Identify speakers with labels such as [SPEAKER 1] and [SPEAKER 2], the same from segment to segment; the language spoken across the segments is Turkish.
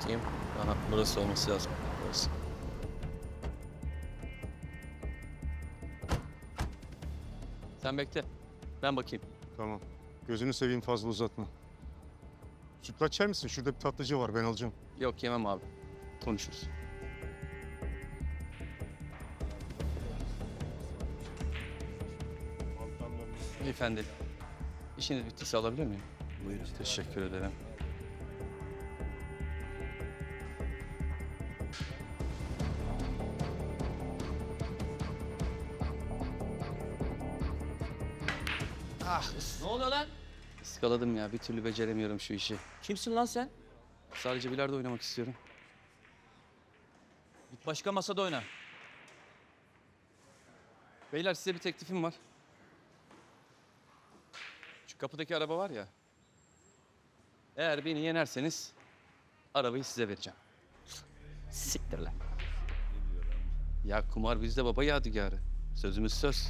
[SPEAKER 1] Bakayım. Aha, burası olması lazım. Burası. Sen bekle. Ben bakayım.
[SPEAKER 2] Tamam. Gözünü seveyim, fazla uzatma. Sütlaç yer misin? Şurada bir tatlıcı var, ben alacağım.
[SPEAKER 1] Yok, yemem abi. Konuşuruz. Beyefendi, işiniz bittiyse alabilir miyim? Buyurun. Teşekkür ederim.
[SPEAKER 3] Ne oluyor lan?
[SPEAKER 1] Iskaladım ya. Bir türlü beceremiyorum şu işi.
[SPEAKER 3] Kimsin lan sen?
[SPEAKER 1] Sadece bilardo oynamak istiyorum.
[SPEAKER 3] Git başka masada oyna.
[SPEAKER 1] Beyler, size bir teklifim var. Şu kapıdaki araba var ya. Eğer beni yenerseniz arabayı size vereceğim.
[SPEAKER 3] Siktir lan.
[SPEAKER 1] Ya kumar bizde baba yadigarı. Sözümüz söz.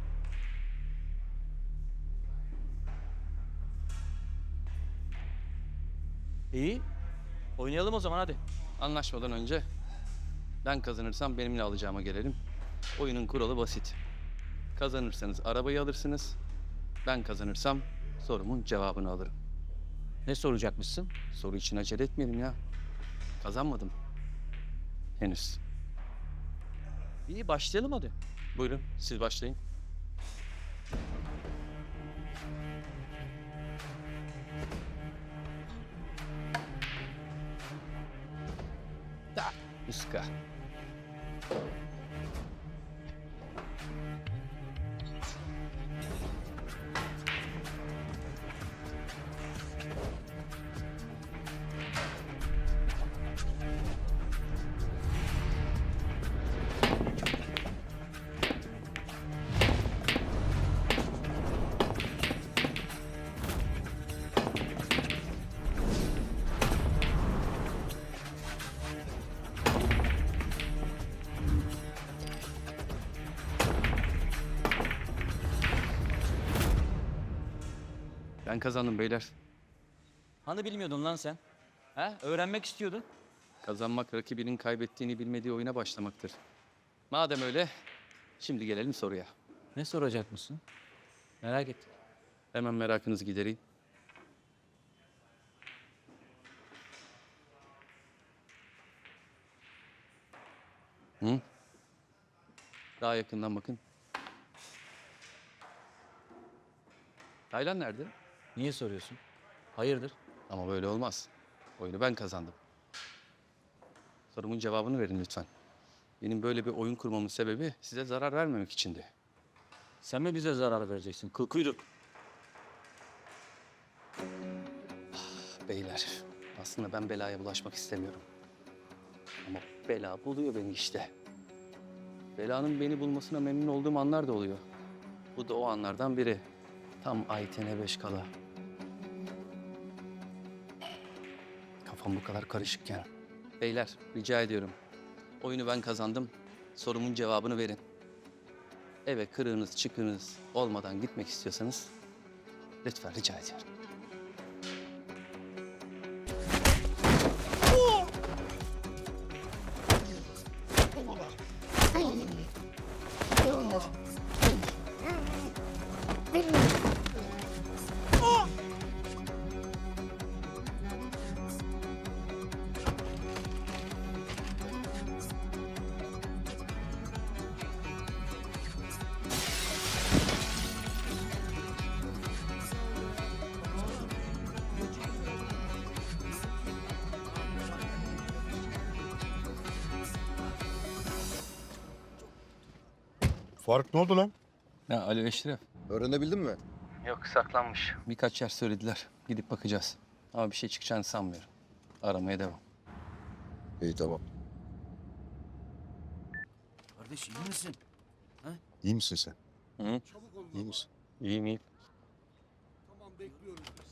[SPEAKER 3] İyi. Oynayalım o zaman hadi.
[SPEAKER 1] Anlaşmadan önce ben kazanırsam benimle alacağıma gelelim. Oyunun kuralı basit. Kazanırsanız arabayı alırsınız. Ben kazanırsam sorumun cevabını alırım.
[SPEAKER 3] Ne soracakmışsın?
[SPEAKER 1] Soru için acele etmeyelim ya. Kazanmadım. Henüz.
[SPEAKER 3] İyi başlayalım hadi.
[SPEAKER 1] Buyurun, siz başlayın. Da, iska. Ben kazandım beyler.
[SPEAKER 3] Hani bilmiyordun lan sen? He? Öğrenmek istiyordun.
[SPEAKER 1] Kazanmak rakibinin kaybettiğini bilmediği oyuna başlamaktır. Madem öyle, şimdi gelelim soruya.
[SPEAKER 3] Ne soracakmışsın? Merak ettim.
[SPEAKER 1] Hemen merakınızı gidereyim. Hı? Daha yakından bakın. Taylan nerede?
[SPEAKER 3] Niye soruyorsun? Hayırdır?
[SPEAKER 1] Ama böyle olmaz. Oyunu ben kazandım. Sorumun cevabını verin lütfen. Benim böyle bir oyun kurmamın sebebi size zarar vermemek içindi.
[SPEAKER 3] Sen mi bize zarar vereceksin? Kıl kuyruk.
[SPEAKER 1] Beyler, aslında ben belaya bulaşmak istemiyorum. Ama bela buluyor beni işte. Belanın beni bulmasına memnun olduğum anlar da oluyor. Bu da o anlardan biri. Tam Ayten'e 5 kala. Kafam bu kadar karışıkken. Beyler, rica ediyorum. Oyunu ben kazandım. Sorumun cevabını verin. Eve kırığınız çıkığınız olmadan gitmek istiyorsanız lütfen rica ediyorum.
[SPEAKER 2] Faruk, ne oldu lan?
[SPEAKER 1] Ya Alo Eşref.
[SPEAKER 4] Öğrenebildin mi?
[SPEAKER 1] Yok, saklanmış. Birkaç yer söylediler. Gidip bakacağız. Ama bir şey çıkacağını sanmıyorum. Aramaya devam.
[SPEAKER 4] İyi, tamam.
[SPEAKER 3] Kardeş iyi misin?
[SPEAKER 2] İyi misin sen?
[SPEAKER 1] Hı?
[SPEAKER 2] İyi misin?
[SPEAKER 1] İyiyim iyiyim.
[SPEAKER 5] Tamam bekliyorum.